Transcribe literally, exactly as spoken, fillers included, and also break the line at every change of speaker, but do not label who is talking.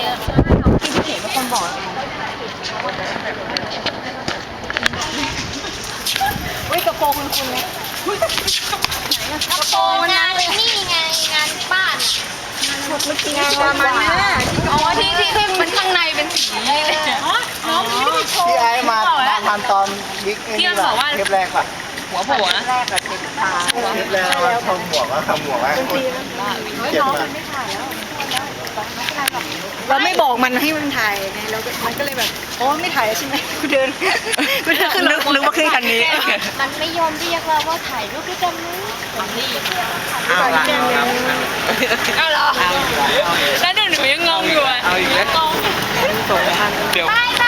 พี่เห็นเป็นคนบอกเฮ้ยกระโปรงคุณคุณไหมกระโปรงมันงานนี่ไงงานบ้านเมื่อกี้งานประมาณนั้นอ๋อที่ที่ที่มันข้างในเป็นสีน้องนี่ไม่ได้โชว์
พี่ไอ้มามาทันตอนบิ๊กนี่แหละเทปแรกป่ะ
หัวโผล่นะ
แรกกับเทปตาเทปแรกว่าทำหมวกว่าทำหมวกว่าเจ็บมาก
เราไม่บอกมันให้มันถ่ายไงเรามันก็เลยแบบโอ้ไม่ถ่ายใช่ไหมกูเดินกูเดินขึ้นรถนึกว่าขึ้นคันนี้มันไม่ยอมเรียกเราว่าถ่ายรูปด้วยกันไหมนี่
เอาละ
เอาเหรอแล้วเดี๋ยวหนูยังงงอยู่อ่ะ
เอาอีกแล้ว
งง
เดี๋ยว